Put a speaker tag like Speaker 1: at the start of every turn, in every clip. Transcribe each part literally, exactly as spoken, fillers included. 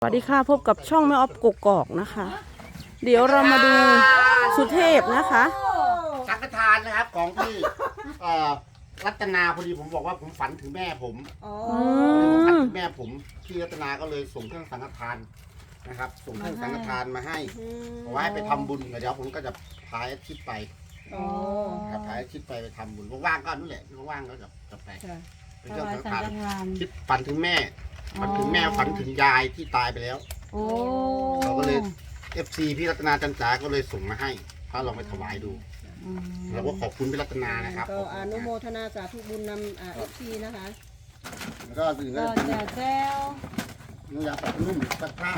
Speaker 1: วัสดีค่ะพบกับช่องแม่ออฟกกอกนะคะ เดี๋ยวเรามาดูสุเทพนะคะ
Speaker 2: สังฆทานนะครับของพี่เอ่อรัตนาพอดีผมบอกว่าผมฝันถึงแม่ผมผมฝันถึงแม่ผมพี่รัตนาก็เลยส่งเครื่องสังฆทานนะครับส่งเครื่องสังฆทานมาให้บอกว่าให้ไปทำบุญเดี๋ยวผมก็จะพาอาทิตย์ไปครับพาอาทิตย์ไปไปทำบุญว่างๆก็นู่นแหละว่างๆก็จะจะไปเป็นเครื่องสังฆทานคิดฝันถึงแม่ฝันถึงแม่ฝันถึงยายที่ตายไปแล้วเราก็เลยเอฟซีพี่รัตนาจันจ๋าก็เลยส่งมาให้ก็ลองไปถวายดูเราก็ขอบคุณพี่รัตนานะครับ
Speaker 3: ก็อนุโมทนาสาธุบุญนำเอฟซีนะคะ
Speaker 2: แล้วก็ถึงก็
Speaker 4: ก็จะแจ้ว
Speaker 2: นุ่งยาปัดนุ่มปัดผ้า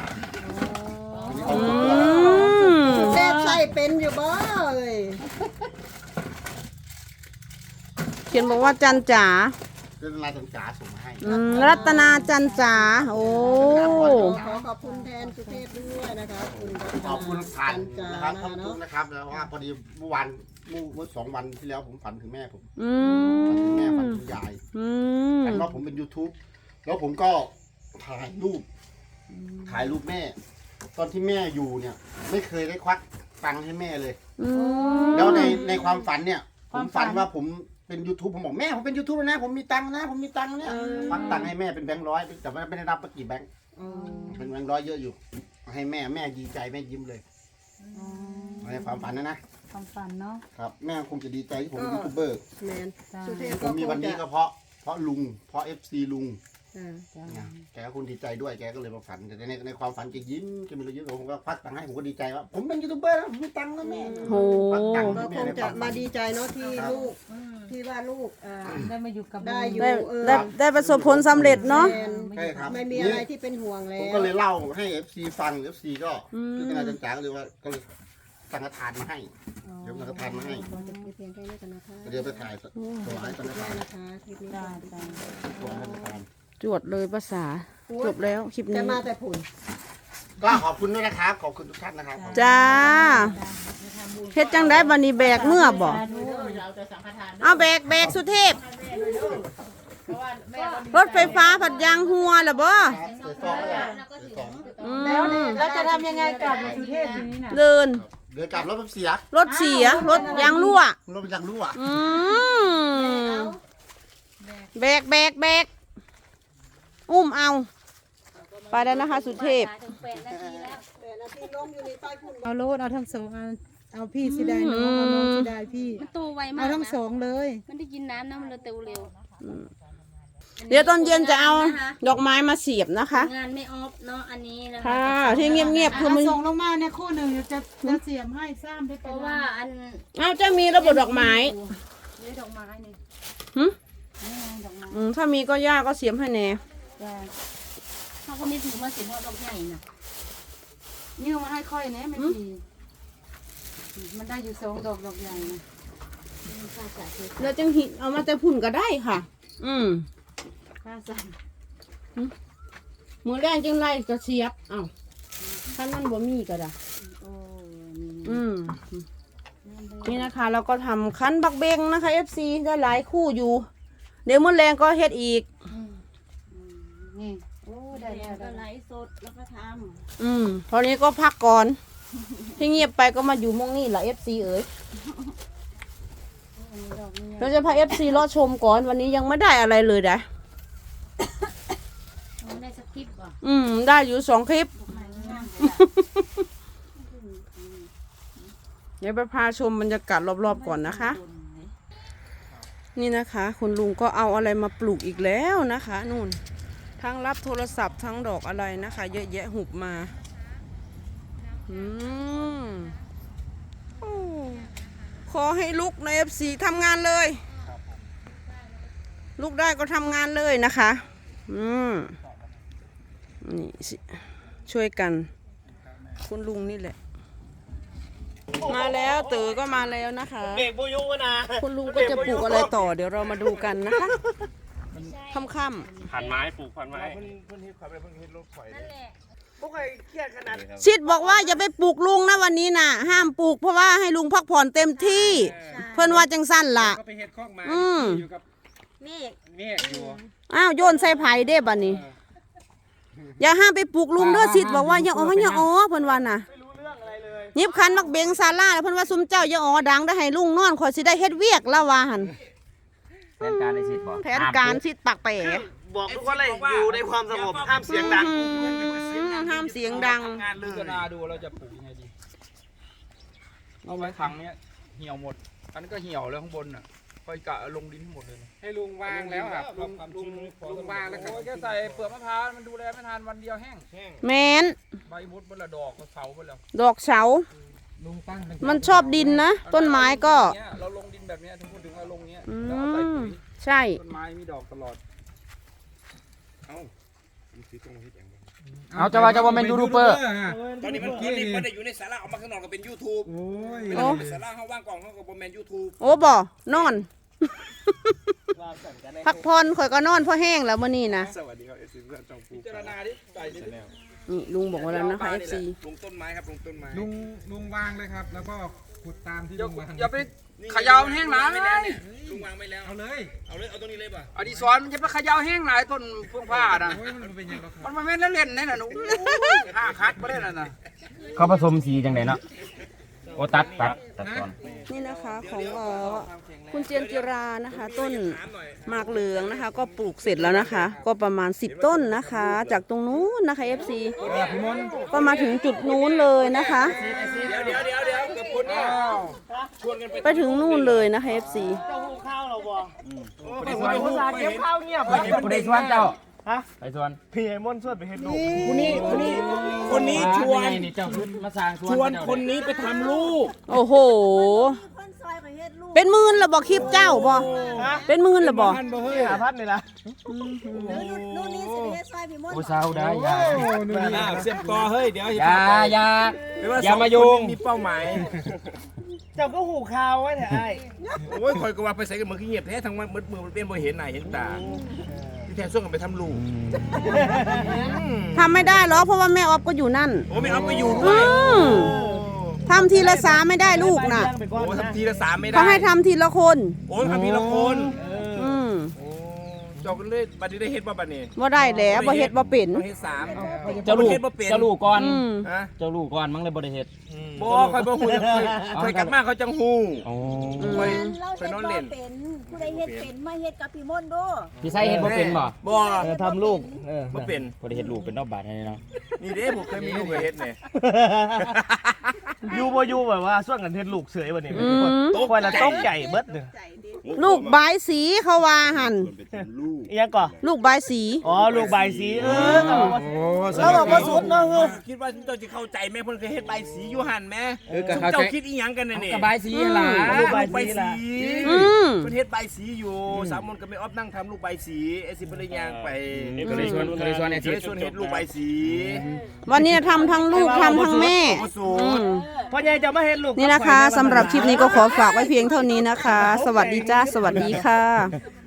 Speaker 3: แซ่บใส่เป็นอยู่บ่เลย
Speaker 1: เขียนบอกว่าจันจ๋า
Speaker 2: รัตนาจันจ๋าส่งมาให้
Speaker 1: รัตนาจันจ๋าโอ้
Speaker 3: ขอขอบคุณแทนสุเทพด้วยนะคะคุณ
Speaker 2: ขอบคุณผ่านนะครับขอบคุณนะครับแล้วว่าพอดีเมื่อวันเมื่อสองวันที่แล้วผมฝันถึงแม่ผมฝันถึงแม่ฝันถึงยายฝันว่าผมเป็น ยูทูบ แล้วผมก็ถ่ายรูปถ่ายรูปแม่ตอนที่แม่อยู่เนี่ยไม่เคยได้ควักตังค์ให้แม่เลยแล้วในในความฝันเนี่ยผมฝันว่าผมเป็น ยูทูบ ผมบอกแม่ผมเป็น ยูทูบ นะผมมีตังค์นะผมมีตังค์เนี่ยควักตังค์ให้แม่เป็นแบงค์ร้อยแต่ไม่ได้รับไปกี่แบงค์เป็นแบงค์ร้อยเยอะอยู่ให้แม่แม่ดีใจแม่ยิ้มเลยในความฝันนะนะ
Speaker 4: ความฝันเนาะ
Speaker 2: ครับแม่คงจะดีใจที่ผมเป็นยูทูบเบอร์ผมมีวันนี้ก็เพราะเพราะลุงเพราะเอฟซีลุงแกก็คุณดีใจด้วยแกก็เลยมาฝันแต่ในในความฝันแกยิ้มแกมีรอยยิ้มผมก็พักตังค์ให้ผมก็ดีใจว่าผมเป็นยูทูบเบอร์ผมมีตังค์แล้วแม่
Speaker 1: โอ้
Speaker 3: ก็คงจะมาดีใจเนาะที่ลูกที่ว่าลูก
Speaker 4: ได้มาอยู่กับ
Speaker 3: ได้อยู่
Speaker 1: ได้ได้ประสบผลสำเร็จเนาะ
Speaker 2: ใช่ครับ
Speaker 3: ไม่มีอะไรที่เป็นห่วงแล้ว
Speaker 2: ผมก็เลยเล่าให้เอฟซีฟังเอฟซีก็คือขนาดจันจ๋าก็เลยว่าก็เลยสังฆทานมาให้เดี๋ยวสังฆทานมาให้เดี๋ยวไปถ่ายถวายสังฆทานถวายสังฆทาน
Speaker 1: จวดเลยภาษาจบแล้วคลิปนี้
Speaker 3: จะมาแต่ผุน
Speaker 2: ก็ขอบคุณด้วยนะครับขอบคุณทุกท่านนะครับ
Speaker 1: จ้าเฮ็ดจังได้บันนี้แบกเมื่อบอกเอาแบกแบกสุเทพรถไฟฟ้าผัดยางหัวหรอบ่
Speaker 4: แล้วแล้วจะทำยังไงกลับมาสุเทพทีนี้น่ะ
Speaker 1: เดิน
Speaker 2: เดินกลับรถมันเสีย
Speaker 1: รถเสียรถยางรั่ว
Speaker 2: รถมันยางรั่ว
Speaker 1: อืมแบกแบกแบกอุ้มเอาไปแล้วนะคะสุเทพ
Speaker 4: เอาโลดเอาทั้งสองเอาเอาพี่สิได้น้องเอาน้องสิได้พี่
Speaker 5: มันโตไวมาก
Speaker 4: เอาทั้งสองเลย
Speaker 5: มันได้กินน้ำนะมันเลยโตเร็ว
Speaker 1: เดี๋ยวตอนเย็นจะเอาดอกไม้มาเสียบนะคะ
Speaker 5: งานไม่ออฟเนาะอันนี้นะ
Speaker 1: ค่ะที่เงียบๆคือ
Speaker 4: มันส่งลงมาเนี่ยคู่หนึ่งจะจะเสียบให้ซ้ำได้
Speaker 5: เพราะว่าอัน
Speaker 1: เอาจะมีระบบดอกไม้
Speaker 5: นี่ดอกไม้นี่
Speaker 1: หืมอืมถ้ามีก็ย่าก็เสียบให้แน่
Speaker 5: เขาก็ไม่ถือมาเสียบเพราะดอกใหญ่น่ะ
Speaker 4: นี่มาให้ค่อยเนี่ยไม่ดีมันได้อยู่สองดอกดอกใหญ่นะ
Speaker 1: แล้วจังหิเอามาแต่พุ่นก็ได้ค่ะอืม
Speaker 4: ข้าสั่ง
Speaker 1: มือแรงจังไรก็เสียบเอ้าท่านนั่นบ่มีก็ได้อืมนี่นะคะเราก็ทำคั้นบักเบงนะคะ เอฟ ซี ได้หลายคู่อยู่เดี๋ยวมือแรงก็เฮ็ดอีก
Speaker 4: นี่โอ้ได้แล้ว
Speaker 5: ก็ไลฟ์สดแล้วก็ท
Speaker 1: ำอืมตอนนี้ก็พักก่อนที่เงียบไปก็มาอยู่มงนี่แหละ เอฟ ซี เอ๋ยเราจะพา เอฟ ซี รอชมก่อนวันนี้ยังไม่ได้อะไรเลยนะ
Speaker 5: ได้สักคลิปป่ะ
Speaker 1: อืมได้อยู่สองคลิปเดี๋ยวไปพาชมบรรยากาศรอบๆก่อนนะคะนี่นะคะคุณลุงก็เอาอะไรมาปลูกอีกแล้วนะคะนู่นทั้งรับโทรศัพท์ทั้งดอกอะไรนะคะเยอะแยะหุบมาอืมขอให้ลุกใน เอฟ ซี ทำงานเลยลุกได้ก็ทำงานเลยนะคะอืมนี่สิช่วยกันคุณลุงนี่แหละมาแล้วเต๋อก็มาแล้วนะคะคุณลุงก็จะปลูกอะไรต่อเดี๋ยวเรามาดูกันนะคะค่ำๆ
Speaker 6: พันไม้ปลูกพันไม้
Speaker 1: ชิดบอกว่าอย่าไปปลูกลุงนะวันนี้น่ะห้ามปลูกเพราะว่าให้ลุงพักผ่อนเต็มที่เพื่อนว่าจังสั้นล่ะอืม
Speaker 5: เมฆ
Speaker 6: เมฆอยู่
Speaker 1: อ้าวโยนใส่ไผ่เด้บัดนี้อย่าห้ามไปปลุกลุงเด้อสิบอกว่าอย่าอ๋ออย่าอ๋อเพิ่นว่าน่ะยิบคันมักเบงซาร่าแล้วเพิ่นว่าซุมเจ้าอย่าอ๋อดังได้ให้ลุงนอนข่อยสิได้เฮ็ดเวียกแล้วว่าหั่น
Speaker 6: แผนการในสิทธิ์บอก
Speaker 1: แผนการสิปักแปะ
Speaker 7: บอกทุกคนเลยอยู่ในความสงบห้ามเสียงดัง
Speaker 1: อืมห้ามเสียงดัง
Speaker 6: งานลือกันนาดูเราจะปลูกยังไงดีเอาไว้ถังเนี้ยเหี่ยวหมด อันนี้ก็เหี่ยวแล้วข้างบนน่ะค่อยกะลงดินทั้งหมดเลย
Speaker 7: ให้ลุงวางแล้วครับลุงลุงลุงวางแล้วครับ
Speaker 6: โอ้ยแค่ใส่เปลือกมะพร้าวมันดูแลไม่ทันวันเดียวแห้ง
Speaker 1: แม่น
Speaker 6: ใบมุดบนละดอกก็เสาไปแล้ว
Speaker 1: ดอกเสา
Speaker 7: ลุงตั้งเป็น
Speaker 1: มันชอบดินนะ ต้นไม้ก็
Speaker 6: เนี่ยเราลงดินแบบเนี้ยถึงพูดถึงเราลงเนี้ย
Speaker 1: อื
Speaker 6: แล้วเอาใส่
Speaker 1: ม
Speaker 6: ปุ๋ย
Speaker 1: ใช่
Speaker 6: ต้นไม้มีดอกตลอด
Speaker 8: เอาจะว่าจะว่าเป็นยูทูบเบอร์
Speaker 7: ตอนนี้มันตอนนี้มันได้อยู่ในสาระออกมาข้างนอกก็เป็นยูทูบ
Speaker 8: โอ้ย
Speaker 7: เวลาเป็นสาระเขาว่างกล่องเขาก็บอมแมนยูทูบ
Speaker 1: โอ้บ่นอน พักผ่อนข่อยก็นอนเพราะแห้งแล้วมื้อนี้นะ
Speaker 7: สวัสดีครับเอฟซีเพื่อนจองปู
Speaker 6: พิจารณาดิใส่ดิ
Speaker 1: นี่ลุงบอกว่าแล้วนะคะ เอฟ ซี
Speaker 7: ลงต้นไม้ครับลงต้นไม้
Speaker 8: ลุงลุงวางเลยครับ แล้วก็ขุดตามที่
Speaker 6: อย่า
Speaker 8: ลุงวาง
Speaker 6: อย่าไปเขยาวแห้งหนา
Speaker 7: ไม่แล้วเนี่ยลุงวางไม่แล้ว
Speaker 8: เอาเลย
Speaker 7: เอาเลยเอาตรงนี้เลยป่ะ
Speaker 6: อดีศรมันจะไปเขยาวแห้งหลายต้นเฟื่องผ้าน่ะ
Speaker 8: โอ้ยมันเป็นยังไงครับ
Speaker 6: มันมาแม่นเล่นๆนี่น่ะหนูห้าคัดบ่ได้น่ะน่ะ
Speaker 8: เขาผสมสีจังไหนเนาะโอ้ตัดตัดตัดก่อน
Speaker 1: นี่นะคะของเอ่อคุณเจียนจิรานะคะ ต้นหมากเหลืองนะคะ ก็ปลูกเสร็จแล้วนะคะ ก็ประมาณสิบต้นนะคะ จากตรงนู้นนะคะ เอฟ ซี
Speaker 8: พี่มนต์
Speaker 1: ก็มาถึงจุดนู้นเลยนะคะ
Speaker 7: เดี๋ยวเดี๋ยวเดี๋ยวเดี๋ยวกับคนเนี่ยชวนกันไป
Speaker 1: ไปถึงนู่นเลยนะคะ เอฟ ซี
Speaker 7: คนที่ว่าเก็บข้าวเงียบ
Speaker 8: ผู้ใดชวนเจ้าฮะไปชวน
Speaker 7: พี่ไอ้มอนชวนไปเฮ็ดลูกคนนี้คนนี้คนนี้ชวน
Speaker 8: นี่เจ้าขึ้นมาสร้างชวน
Speaker 7: ชวนคนนี้ไปทำลูก
Speaker 1: โอ้โห เป็นหมื่นเหรอบอกคลิปเจ้าบอเป็นหมื่นเหรอบอก
Speaker 7: พันบ่เฮ้ยหาพันนี่ล่ะ
Speaker 3: นู่นนี่สิเฮ็ดซอยพี่มนต์
Speaker 8: ผู้สาวได้ยา
Speaker 7: เสียบกอเฮ้ยเดี๋ยว
Speaker 8: อยาอยาอย่ามาโยง
Speaker 7: มีเป้าหมายเจ้าก็หูข่าวไว้แท้ไอ้โอ้ยคอยก็ว่าไปใส่กันมือขี้เงียบแท้ทั้งวันมือมือมันเป็นบ่เห็นหน้าเห็นตาที่แท้ส่วนกันไปทำลูก
Speaker 1: ทำไม่ได้หรอกเพราะว่าแม่ออฟก็อยู่นั่น
Speaker 7: โอ้ไม่เอาไปอยู่ด้
Speaker 1: อื
Speaker 7: วย
Speaker 1: มทำทีละสามไม่ได้ลูกน่ะ
Speaker 7: โอ้ทำทีละสามไม่ได้
Speaker 1: เขาให้ทำทีละคน
Speaker 7: โอ้ยทำทีละคน
Speaker 1: อืม
Speaker 7: เจ้าก็เลยบัดนี้ได้เฮ็ดบ่บัดนี้
Speaker 1: ว่าได้แล้วบ่เฮ็ดบ่เป็น
Speaker 7: ต้องเฮ็ดสาม
Speaker 8: เจ้าลูก
Speaker 7: เฮ็ดบ่เป็น
Speaker 8: เจ้าลูกก่อน
Speaker 1: อืม
Speaker 7: ฮะ
Speaker 8: เจ้าลูกก่อนมั้งเลยบ่ได้เฮ็ด
Speaker 7: บ่ค่อยบ่ฮู้ค่อยค่อยกลับมาเขาจังฮู้
Speaker 8: โอ้
Speaker 7: ค่อย
Speaker 3: เรา
Speaker 7: ค่อย
Speaker 3: เฮ็ด
Speaker 7: นอน
Speaker 3: บ่
Speaker 7: เล่น
Speaker 3: เป็นผู้ใดเฮ็ดเป็นมาเฮ็ดกับพี่มนต์ดู
Speaker 8: พี่ไส้เฮ็ดบ่เป็นบ่
Speaker 7: บ่
Speaker 8: ทำลูก
Speaker 7: บ่เป็น
Speaker 8: บ่ได้เฮ็ดลูกเป็นนอกบาทนี่เนาะ
Speaker 7: นี่เด้ผมเคยมีลูกไปเฮ็ดแหน่
Speaker 9: ยูบ่ยูแบบว่าส่วนกันเทศลูกเสยวันนี้
Speaker 1: อืม
Speaker 9: โต๊ะวันละต้องใหญ่เบิดเนี่ย
Speaker 1: ลูกบายสีเขาว่าหัน
Speaker 9: อีหยังก่อ
Speaker 1: ลูกบายสี
Speaker 9: อ๋อลูกใบายสีเออเราบอกว่าสุดเนาะเออ
Speaker 7: คิดว่าเจ้าจะเข้าใจแม่เพิ่นเคยเฮ็ดใบสีอยู่หั่นแม่
Speaker 8: เออก็
Speaker 7: ซุม
Speaker 8: เข้าใจ
Speaker 7: เจ้าคิดอีหยังกันน่ะนี่
Speaker 8: กระบายสีล่ะ
Speaker 7: ลูกใบสีล่ะ
Speaker 1: อืม
Speaker 7: เพิ่นเฮ็ดใบสีอยู่สามมนก็ไม่ออฟนั่งทำลูกใบสีไอ้สิเพิ่นเลยย่างไป
Speaker 8: ก็เลยชวนก็เลยชวนไอ้
Speaker 7: ก็
Speaker 8: สิ
Speaker 7: เลยชวนเฮ็ดลูกใบสี
Speaker 1: วันนี้ทำทั้งลูกทำทั้งแม่
Speaker 7: บ่สู
Speaker 1: อื
Speaker 7: ตร
Speaker 1: ม
Speaker 9: พ่อใหญ่จะมาเห็นลูก
Speaker 1: นี่นะคะสำหรับคลิปนี้ก็ขอฝากไว้เพียงเท่านี้นะคะ สวัสดีจ้า สวัสดีค่ะ